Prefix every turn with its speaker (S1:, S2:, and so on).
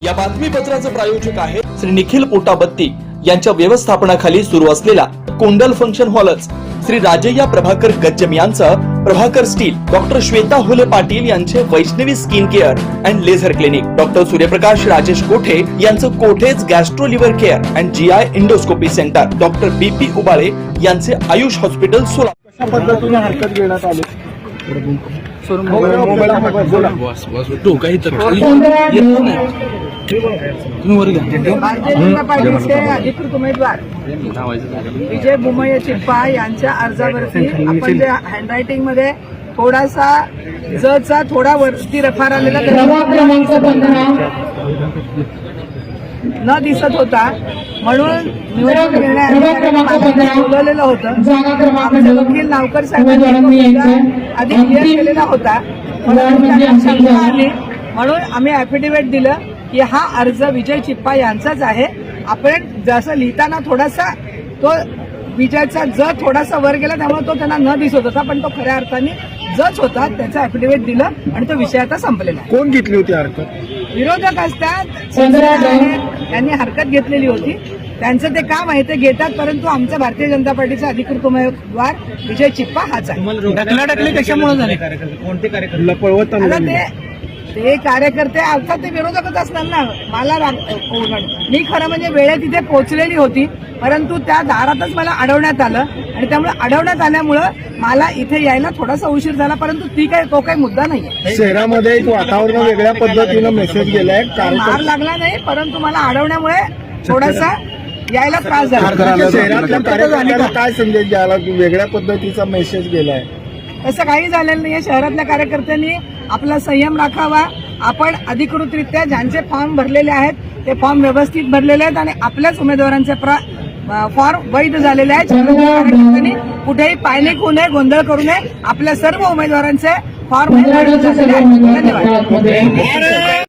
S1: या बातमीपत्राचे प्रायोजक आहे श्री निखिल पोटाबत्ती यांच्या व्यवस्थापनाखाली सुरू असलेला कोंडल फंक्शन हॉलच, श्री राजय्या प्रभाकर गज्जम यांचं प्रभाकर स्टील, डॉक्टर श्वेता होले पाटील यांचे Vaishnavi skin care and laser clinic, doctor Suryaprakash Rajesh Kothe यांचं Kothe's gastro liver care and GI endoscopy centre, doctor BP Ubale यांचे आयुष हॉस्पिटल सोलापूर.
S2: कशा पद्धतीने हरकत घेण्यात आली?
S3: भारतीय जनता पार्टीचे अधिकृत उमेदवार विजय बुमय्या चिप्पा यांच्या अर्जावरती आपण जे हँडरायटिंग मध्ये थोडासा जचा थोडा वरती रफार आलेला न दिसत होता, म्हणून निवडणूक निर्णय अधिकाऱ्यांनी बोलवलेलं होतं. आमचे वकील नावकर साहेबांनी आधी क्लिअर केलेला होता, म्हणून आम्ही ॲफिडेव्हिट दिलं की हा अर्ज विजय चिप्पा यांचाच आहे. आपण जसं लिहिताना थोडासा तो विजयचा ज थोडासा वर गेला, त्यामुळे तो त्यांना न दिसत होता, पण तो खऱ्या अर्थाने जच होता. त्याचं ॲफिडेव्हिट दिलं आणि तो विषय आता संपलेला आहे.
S2: कोण घेतली होती हरकत?
S3: विरोधक असतात, त्यांनी हरकत घेतलेली होती, त्यांचं ते काम आहे ते घेतात, परंतु आमचा भारतीय जनता पार्टीचा अधिकृत उमेदवार विजय चिप्पा हाच आहे.
S4: ढकलाढकली कशामुळे झाली?
S2: कोणते कार्यकर्ते पळवत
S3: आता ते कार्यकर्ते अर्थात ते विरोधकच असणार ना. मला मी खरं म्हणजे वेळेत तिथे पोहोचलेली होती, परंतु त्या दारातच मला अडवण्यात आलं आणि त्यामुळे अडवण्यात आल्यामुळं मला इथे यायला थोडासा उशीर झाला, परंतु तो काही मुद्दा नाही.
S2: शहरामध्ये एक वातावरण वेगळ्या पद्धतीनं मेसेज गेलाय.
S3: मार लागला नाही, परंतु मला अडवण्यामुळे थोडासा यायला त्रास झाला.
S2: शहरातल्या कार्यकर्त्यांना काय संदेश द्यायला वेगळ्या पद्धतीचा मेसेज गेलाय?
S3: तसं काही झालेलं नाहीये. शहरातल्या कार्यकर्त्यांनी आपला संयम राखावा. आपण अधिकृतरित्या ज्यांचे फॉर्म भरलेले आहेत ते फॉर्म व्यवस्थित भरलेले आहेत आणि आपल्याच उमेदवारांचे फॉर्म वैध झालेले आहेत. कार्यकर्त्यांनी कुठेही पायनिक होऊ नये, गोंधळ करू नये. आपल्या सर्व उमेदवारांचे फॉर्म वैध झालेले आहेत. धन्यवाद.